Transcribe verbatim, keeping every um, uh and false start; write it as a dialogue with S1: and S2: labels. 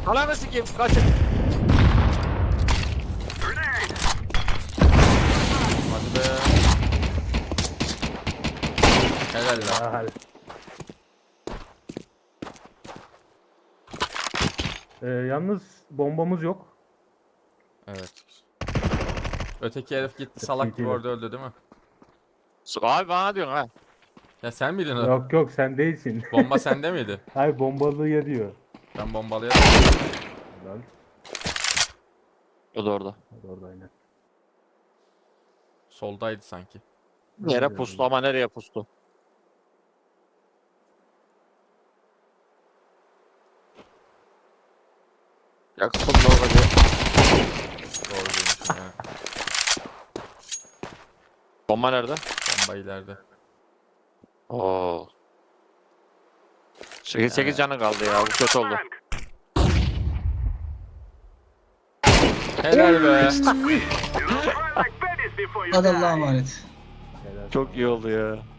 S1: Ananı sikeyim kaçın. Hadi be. Helal lan.
S2: Ahal. Ee, yalnız bombamız yok.
S1: Evet. Öteki herif gitti salak gibi orada öldü değil mi?
S3: Abi bana diyorsun ha.
S1: Ya sen miydin o?
S2: Yok yok sen değilsin.
S1: Bomba sende miydi?
S2: Hayır bombalıya diyor.
S1: Ben bombalayayım.
S2: Lan.
S3: O da orada.
S2: Hadi orada aynen.
S1: Soldaydı sanki.
S3: Yere pustu ama nereye pustu? Yaktım da olacak.
S1: Doğru demişim ya.
S3: Bomba nerede?
S1: Bomba ileride.
S3: Oo. sekiz sekiz canı kaldı ya. Bu kötü oldu.
S1: Helal be.
S4: Hadi Allah'a emanet.
S2: Helal.
S3: Çok iyi oldu ya.